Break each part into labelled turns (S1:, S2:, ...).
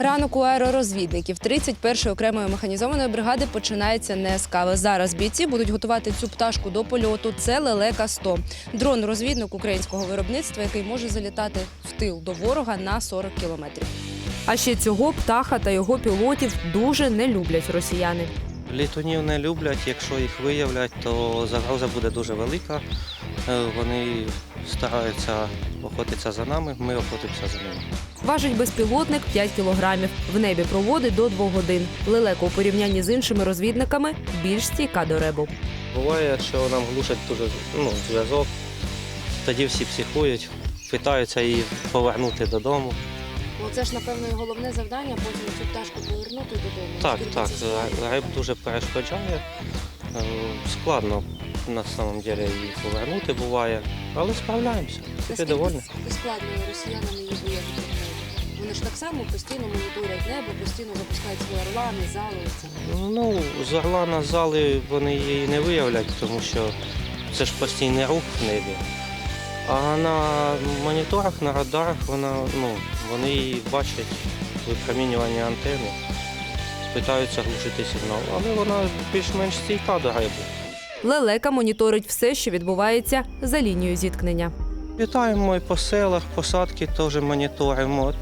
S1: Ранок у аеророзвідників 31-ї окремої механізованої бригади починається не з кави. Зараз бійці будуть готувати цю пташку до польоту. Це Лелека-100. Дрон-розвідник українського виробництва, який може залітати в тил до ворога на 40 кілометрів. А ще цього птаха та його пілотів дуже не люблять росіяни.
S2: Літунів не люблять, якщо їх виявлять, то загроза буде дуже велика. Вони стараються охотитися за нами, ми охотимося за ними.
S1: Важить безпілотник 5 кілограмів. В небі проводить до 2 годин. Лелека у порівнянні з іншими розвідниками більш стійка до ребу.
S2: Буває, що нам глушать дуже зв'язок, тоді всі психують, питаються її повернути додому.
S1: Це ж, напевно, і головне завдання – потім цю пташку повернути додому.
S2: Так, риб дуже перешкоджає. Складно на самом деле її повернути буває, але справляємося. Ти довольний?
S1: Наскільки складно росіянам її виявити? Вони ж так само постійно моніторять небо, постійно запускають свої орлани, зали.
S2: З орла на зали вони її не виявлять, тому що це ж постійний рух в небі. А на моніторах, на радарах вони її бачать, випромінювання антени, питаються глушити сигнал, але вона більш-менш стійка до рибу.
S1: Лелека моніторить все, що відбувається за лінією зіткнення.
S2: Літаємо і по селах, посадки теж моніторимо.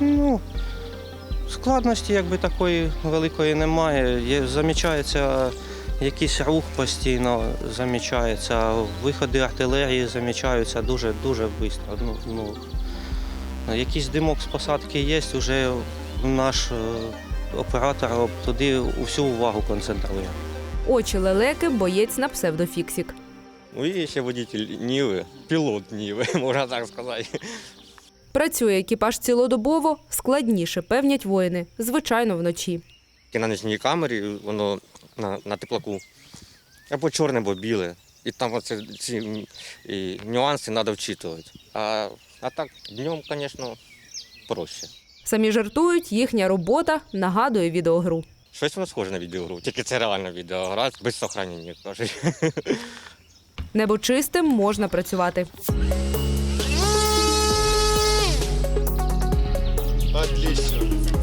S2: Складності якби такої великої немає. Замічається якийсь рух постійно, замічається, виходи артилерії замічаються дуже швидко. Якийсь димок з посадки є, вже наш оператор туди всю увагу концентрує.
S1: Очі лелеки – боєць на псевдофіксік.
S3: І ще водитель Ніви, пілот Ніви, можна так сказати.
S1: Працює екіпаж цілодобово, складніше, певнять воїни, звичайно, вночі.
S3: На нічній камері воно на теплаку або чорне, або біле. І там ці нюанси треба вчитувати. А так днем, звісно, проще.
S1: Самі жартують, їхня робота нагадує відеогру.
S3: Щось воно схоже на відеогру, тільки це реальна відеогра, без сохранення, кажуть.
S1: Небо чистим, можна працювати.
S4: Отлично.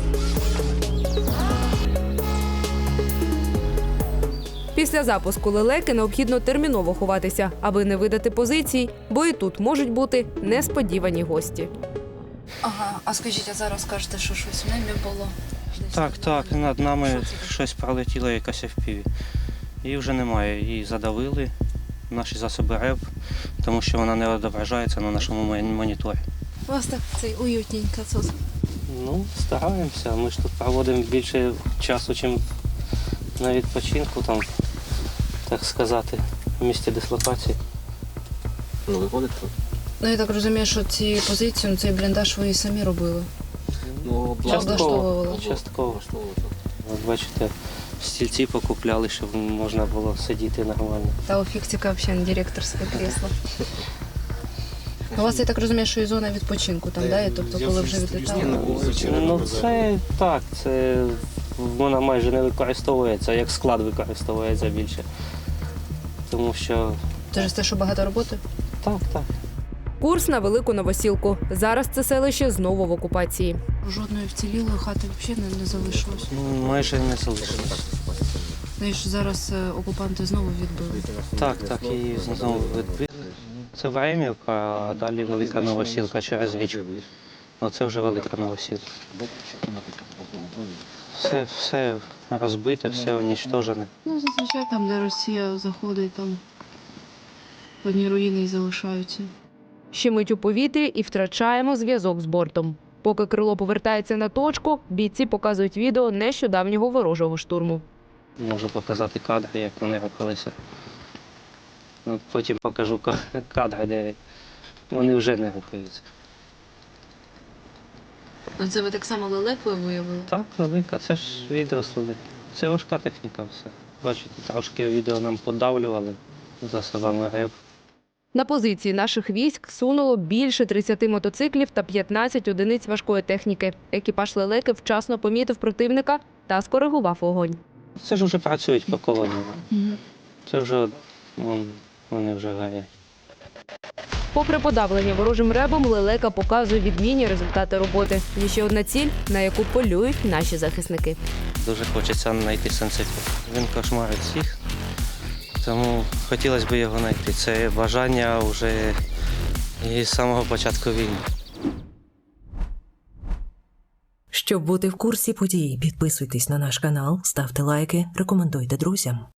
S1: Після запуску лелеки необхідно терміново ховатися, аби не видати позицій, бо і тут можуть бути несподівані гості.
S5: Ага, а скажіть, а зараз кажете, що щось в небі було?
S2: Так, над нами щось пролетіло, якась FPV. Її вже немає, її задавили, наші засоби РЕБ, тому що вона не відображається на нашому моніторі.
S5: У вас так уютненько тут.
S2: Стараємося, ми ж тут проводимо більше часу, ніж на відпочинку, там, так сказати, в місті дислокації.
S3: Виходить тут?
S5: Я так розумію, що ці позиції, цей бліндаж ви і самі робили.
S2: Частково. От бачите, стільці покупляли, щоб можна було сидіти нормально.
S5: Та у фіксика взагалі директорське крісло. У вас, я так розумію, що і зона відпочинку там, да? Тобто, коли вже відлітали?
S2: Це так, вона майже не використовується, як склад використовується більше. Тому що...
S5: Через те, що багато роботи?
S2: Так.
S1: Курс на Велику Новосілку. Зараз це селище знову в окупації.
S5: Жодної вцілілої хати взагалі не залишилось.
S2: Майже не залишилось.
S5: Знаєш, зараз окупанти знову відбили.
S2: Так, її знову відбили. Це Времівка, а далі Велика Новосілка через річку. Оце вже Велика Новосілка. Все розбите, все уничтожене.
S5: Зазвичай там, де Росія заходить, там одні руїни і залишаються.
S1: Щемить у повітрі і втрачаємо зв'язок з бортом. Поки крило повертається на точку, бійці показують відео нещодавнього ворожого штурму.
S2: Можу показати кадри, як вони рухалися. Потім покажу кадри, де вони вже не рухаються.
S5: Це ви так само лелекою виявили?
S2: Так, велика, це ж відео служить. Це важка техніка все. Бачите, трошки відео нам подавлювали засобами РЕБ.
S1: На позиції наших військ сунуло більше 30 мотоциклів та 15 одиниць важкої техніки. Екіпаж лелеки вчасно помітив противника та скоригував вогонь.
S2: Це ж вже працюють по колонії. Це вже, вони вже горять.
S1: Попри подавлення ворожим ребом, лелека показує відмінні результати роботи. Є ще одна ціль, на яку полюють наші захисники.
S2: Дуже хочеться знайти Сенцепу. Він кошмарить всіх, тому хотілося б його знайти. Це бажання вже із самого початку війни.
S4: Щоб бути в курсі подій, підписуйтесь на наш канал, ставте лайки, рекомендуйте друзям.